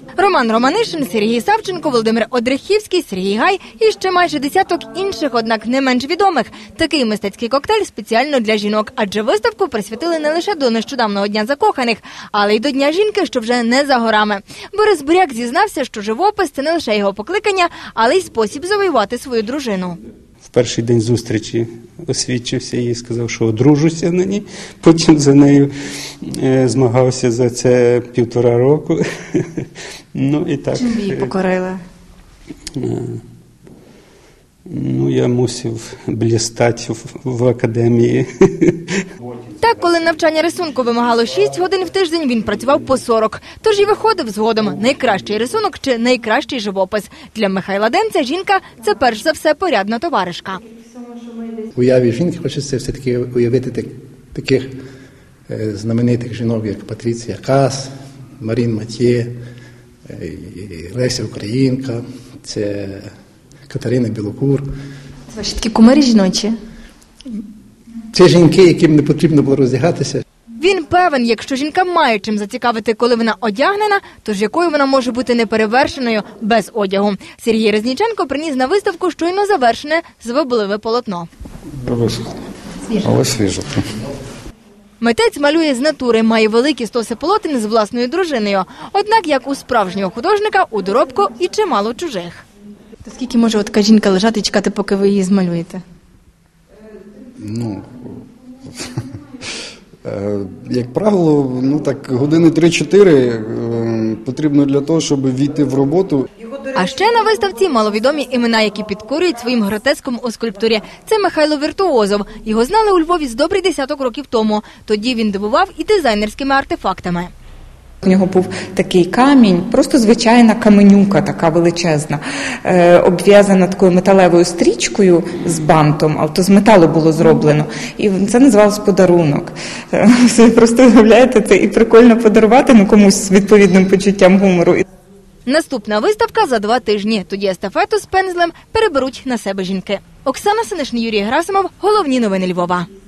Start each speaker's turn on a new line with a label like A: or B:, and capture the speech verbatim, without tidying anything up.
A: Роман Романишин, Сергій Савченко, Володимир Одрехівський, Сергій Гай і ще майже десяток інших, однак не менш відомих. Такий мистецький коктейль спеціально для жінок, адже виставку присвятили не лише до нещодавнього Дня закоханих, але й до Дня жінки, що вже не за горами. Борис Буряк зізнався, що живопис – це не лише його покликання, але й спосіб завоювати свою дружину.
B: В перший день зустрічі освідчився і сказав, що одружуся на ній. Потім за нею е, змагався за це півтора року. Ну, і так.
A: Чим ви її покорили?
B: Е, ну, я мусив блістати в, в академії.
A: Так, коли навчання рисунку вимагало шість годин в тиждень, він працював по сорок. Тож і виходив згодом найкращий рисунок чи найкращий живопис. Для Михайла Денця жінка – це перш за все порядна товаришка.
C: В уяві жінки хочеться все-таки уявити так, таких е, знаменитих жінок, як Патріція Кас, Марін Матьє, е, Леся Українка, це Катерина Білокур.
A: Це ваші такі кумирі жіночі?
C: Це жінки, яким не потрібно було роздягатися.
A: Він певен, якщо жінка має чим зацікавити, коли вона одягнена, то ж якою вона може бути неперевершеною без одягу. Сергій Резніченко приніс на виставку щойно завершене звабливе полотно.
D: Висохло, але свіже.
A: Митець малює з натури, має великі стоси полотен з власною дружиною. Однак, як у справжнього художника, у доробку і чимало чужих. То скільки може така жінка лежати і чекати, поки ви її змалюєте?
D: Ну, як правило, ну так, години три-чотири потрібно для того, щоб війти в роботу.
A: А ще на виставці маловідомі імена, які підкорюють своїм гротеском у скульптурі. Це Михайло Віртуозов. Його знали у Львові з добрий десяток років тому. Тоді він дивував і дизайнерськими артефактами.
E: У нього був такий камінь, просто звичайна каменюка, така величезна, е, обв'язана такою металевою стрічкою з бантом, але то з металу було зроблено. І це називалось подарунок. Е, ви просто уявляєте, це і прикольно подарувати ну, комусь з відповідним почуттям гумору.
A: Наступна виставка за два тижні. Тоді естафету з пензлем переберуть на себе жінки. Оксана Синишин, Юрій Герасимов. Головні новини Львова.